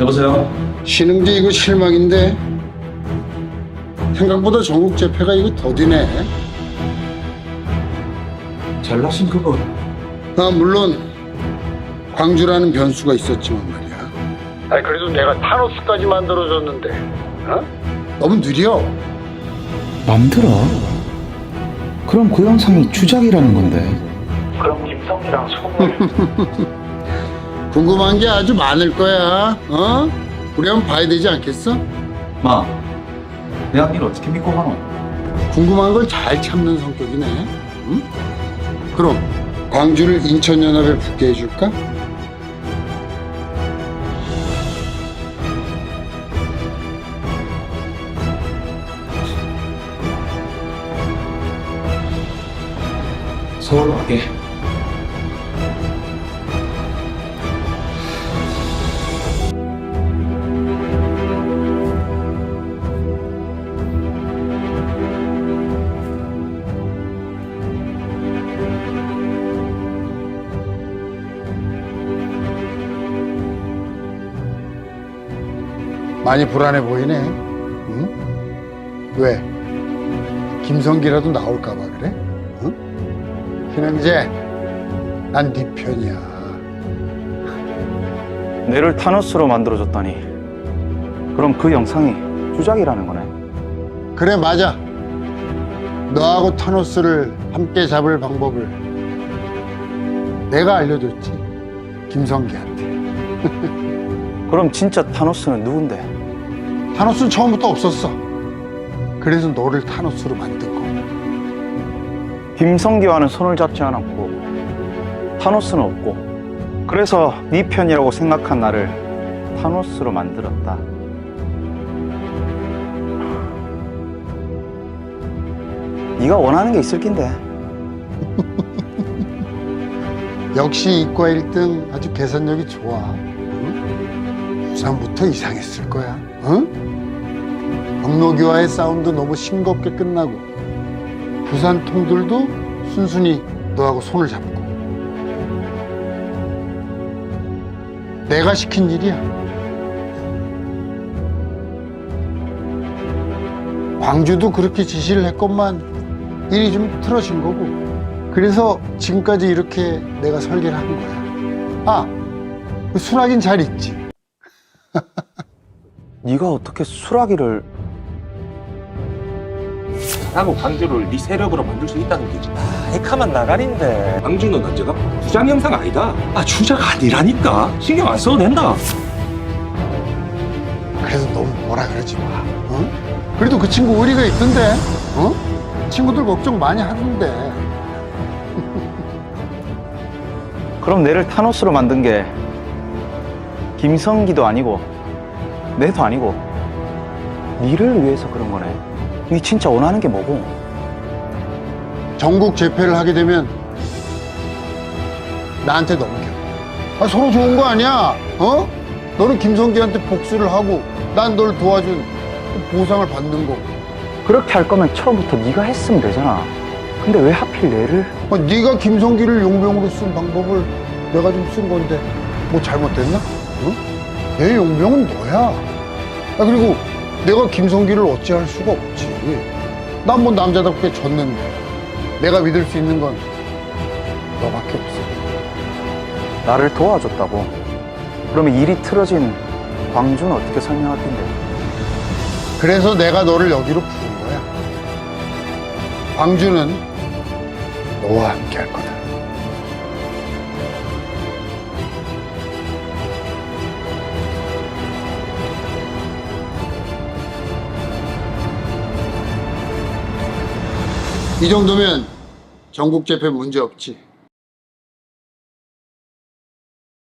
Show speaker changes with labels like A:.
A: 여보세요?
B: 신흥재 이거 실망인데 생각보다 전국 재패가 이거 더디네.
A: 잘나신 그분.
B: 물론 광주라는 변수가 있었지만 말이야. 아니 그래도 내가 타노스까지 만들어줬는데 너무 느려.
C: 맘들어? 그럼 그 영상이 주작이라는 건데.
A: 그럼 김성이랑 손을.
B: 궁금한 게 아주 많을 거야. 우리 한번 봐야 되지 않겠어?
A: 마, 내 앞일 어떻게 믿고 가노?
B: 궁금한 걸 잘 참는 성격이네. 응? 그럼 광주를 인천연합에 붙게 해줄까?
A: 서울로 가게.
B: 많이 불안해 보이네. 응? 왜? 김성기라도 나올까 봐 그래? 응? 신흥재, 난 네 편이야.
C: 내를 타노스로 만들어줬다니. 그럼 그 영상이 주작이라는 거네.
B: 그래, 맞아. 너하고 타노스를 함께 잡을 방법을 내가 알려줬지. 김성기한테.
C: 그럼 진짜 타노스는 누군데?
B: 타노스는 처음부터 없었어. 그래서 너를 타노스로 만든 거.
C: 김성기와는 손을 잡지 않았고 타노스는 없고, 그래서 네 편이라고 생각한 나를 타노스로 만들었다. 네가 원하는 게 있을 낀데.
B: 역시 이과 1등 아주 계산력이 좋아. 응? 부산부터 이상했을 거야. 응? 경로기와의 싸움도 너무 싱겁게 끝나고 부산 통들도 순순히 너하고 손을 잡고. 내가 시킨 일이야. 광주도 그렇게 지시를 했건만 일이 좀 틀어진 거고, 그래서 지금까지 이렇게 내가 설계를 한 거야. 그 순하긴 잘 있지.
C: 네가 어떻게 수라기를...
D: 나하고 광주를 네 세력으로 만들 수 있다는 거지. 헤카만 나가린데. 광주는 언제가 주작 영상 아니다. 주작 아니라니까. 신경 안 써도 된다.
B: 그래서 너무 뭐라 그러지 마. 그래도 그 친구 의리가 있던데. 친구들 걱정 많이 하던데.
C: 그럼 내를 타노스로 만든 게 김성기도 아니고 내도 아니고 니를 위해서 그런 거네. 니 진짜 원하는 게 뭐고?
B: 전국 재패를 하게 되면 나한테 넘겨. 서로 좋은 거 아니야? 너는 김성기한테 복수를 하고 난 널 도와준 보상을 받는 거고.
C: 그렇게 할 거면 처음부터 네가 했으면 되잖아. 근데 왜 하필 내를?
B: 네가 김성기를 용병으로 쓴 방법을 내가 좀 쓴 건데 뭐 잘못됐나? 내 용병은 너야. 그리고 내가 김성기를 어찌할 수가 없지. 난 뭐 남자답게 졌는데 내가 믿을 수 있는 건 너밖에 없어.
C: 나를 도와줬다고? 그러면 일이 틀어진 광주는 어떻게 설명할 텐데?
B: 그래서 내가 너를 여기로 부른 거야. 광주는 너와 함께 할 거다. 이 정도면 전국 재패 문제 없지.